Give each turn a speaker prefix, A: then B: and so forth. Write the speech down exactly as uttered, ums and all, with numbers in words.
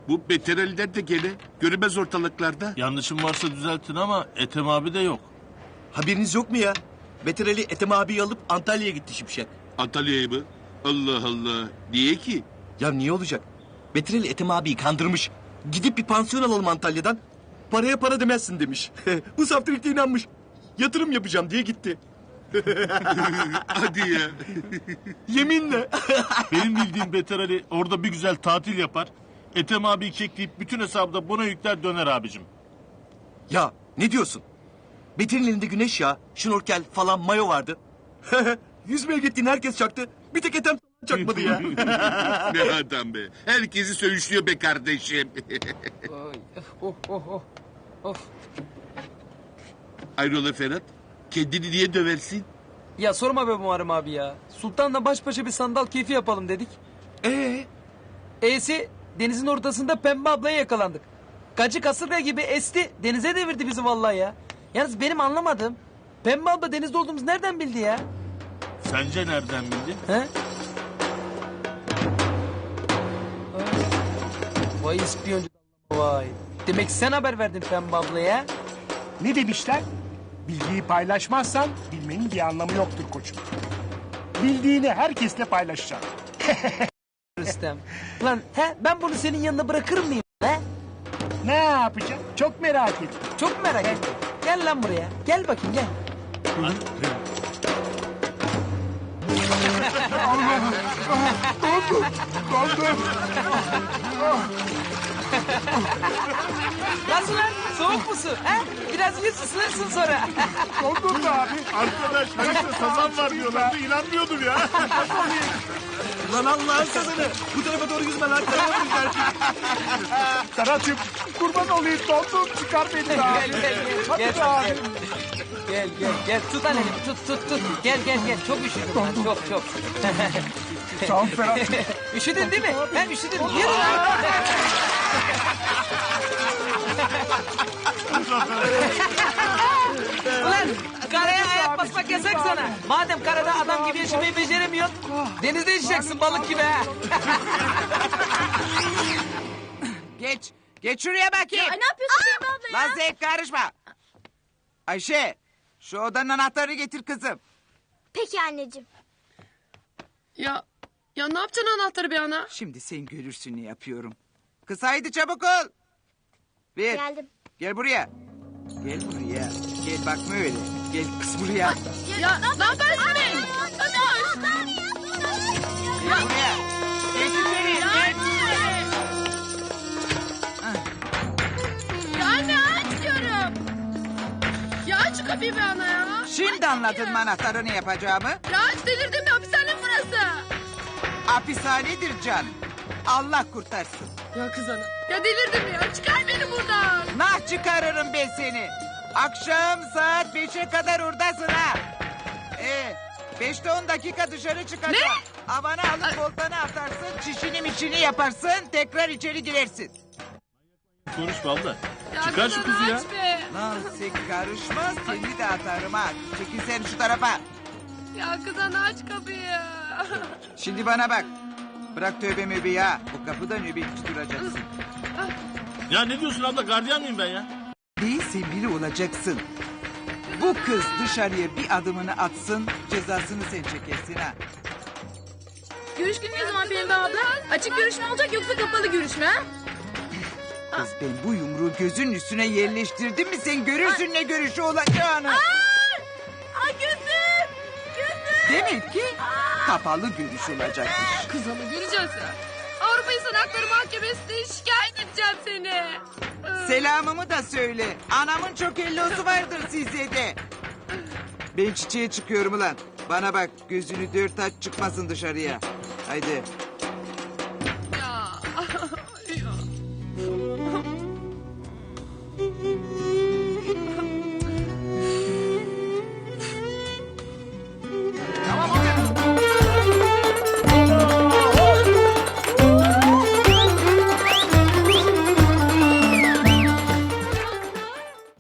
A: Bu Beter Ali'den de gene. Görünmez ortalıklarda.
B: Yanlışım varsa düzeltin ama Ethem abi de yok.
C: Haberiniz yok mu ya? Beter Ali Ethem abiyi alıp Antalya'ya gitti Şimşek.
A: Antalya'ya mı? Allah Allah. Niye ki?
C: Ya niye olacak? Beter Ali Ethem abiyi kandırmış. Gidip bir pansiyon alalım Antalya'dan. Paraya para demezsin demiş. Bu saftirikte inanmış. Yatırım yapacağım diye gitti.
A: Hadi ya.
C: Yeminle.
B: Benim bildiğim Beter Ali orada bir güzel tatil yapar. Ethem abiyi kekleyip bütün hesabı da buna yükler döner abicim.
C: Ya ne diyorsun? Beter'in elinde güneş yağı, şnorkel falan mayo vardı. Yüzmeye gittiğin herkes çaktı. Bir tek Ethem çakmadı ya.
A: Ne adam be. Herkesi söğüşlüyor be kardeşim.
D: Ay, oh oh oh. Of.
A: Ayrola Ferhat. Kendini niye döversin?
D: Ya sorma be Muharrem abi ya. Sultan'la baş başa bir sandal keyfi yapalım dedik.
C: Ee,
D: E'si denizin ortasında Pembe ablaya yakalandık. Gacı kasırga gibi esti. Denize devirdi bizi vallahi ya. Yalnız benim anlamadığım Pembe abla denizde olduğumuzu nereden bildi ya?
B: Sence nereden bildin?
D: He? Ay. Vay ispiyoncu vay. Demek sen haber verdin Pembe ablaya.
E: Ne demişler? Bilgiyi paylaşmazsan bilmenin bir anlamı yoktur koçum. Bildiğini herkesle paylaşacaksın.
D: Rüstem. Lan he ben bunu senin yanına bırakır mıyım he?
E: Ne yapacaksın? Çok merak ettim.
D: Çok merak ettim. Gel lan buraya. Gel bakayım gel. Nasıl lan? Soğuk musun? He? Biraz yüz ısınırsın sonra.
E: Dondun da abi.
B: Arkadaş Halis'te sazan var diyorlardı inanmıyordum ya.
C: lan Allah'ın kadını. Bu tarafa doğru yüzme lan. Karamadın belki.
E: Serhat'cığım kurban olayım dondum. Çıkar beni de abi.
D: Gel gel gel.
E: Hadi
D: Gel,
E: be abi.
D: gel. Gel gel gel. Tut lan elimi. Tut tut tut. Gel gel gel. Çok üşüdüm ben. Çok çok.
E: Sağ ol Ferhat'cığım.
D: Üşüdün değil mi? Ben üşüdüm. Yürü lan. Ulan karaya ayak basmak yasak sana. Madem karada adam gibi yaşamayı beceremiyorsun, denizde yaşayacaksın balık gibi ha.
F: Geç. Geç şuraya bakayım.
G: Ay ne yapıyorsun Pembe abla ya?
F: Lan Zevk karışma. Ayşe şu odanın anahtarını getir kızım.
G: Peki anneciğim.
H: Ya ya ne yapacaksın anahtarı bir ana?
F: Şimdi sen görürsün ne yapıyorum. Kız haydi çabuk ol. Bir.
G: Geldim.
F: Gel buraya. Gel buraya. Gel bakma öyle. Gel kız buraya.
H: Ya ne yaparsın be?
F: Gel buraya. Geç içeri. Geç.
H: Ya anne aç diyorum. Ya aç şu kapıyı be ana ya.
F: Şimdi anladın mı anahtarı ne yapacağımı?
H: Ya aç delirdim ya hapishane mi burası?
F: Hapishanedir can. Allah kurtarsın.
H: Ya kız ana. Ya delirdim ya çıkar beni buradan.
F: Nah çıkarırım ben seni. Akşam saat beşe kadar oradasın ha. Ee, beşte on dakika dışarı çıkacaksın.
H: Ne?
F: Havanı alıp voltanı atarsın, çişini miçini yaparsın, tekrar içeri girersin.
B: Konuşma abla.
H: Ya
B: Çıkar
H: kız
B: şu
H: ana,
B: kızı ya.
H: aç be.
F: Lan sen karışma, seni de atarım ha. Çekil sen şu tarafa.
H: Ya kız ana aç kapıyı.
F: Şimdi bana bak. Bırak tövbe möbeyi ha. Bu kapıda nöbetçi duracaksın.
B: Ya ne diyorsun abla gardiyan mıyım ben ya?
F: Değilse biri olacaksın. Bu kız dışarıya bir adımını atsın, cezasını sen çekersin ha.
H: Görüş günü ne zaman Pembe abla? Açık görüşme olacak yoksa kapalı görüşme ha?
F: Kız ben bu yumruğu gözün üstüne yerleştirdim mi sen görürsün ne görüşü olacağını.
H: Ay gözüm. Gözüm.
F: Demek ki kapalı görüş olacakmış.
H: Kız ana göreceğiz ya. Avrupa İnsan Hakları Mahkemesi'ne şikayet edeceğim seni.
F: Selamımı da söyle. Anamın çok ellosu vardır size de. Ben çiçeğe çıkıyorum ulan. Bana bak gözünü dört aç çıkmasın dışarıya. Haydi.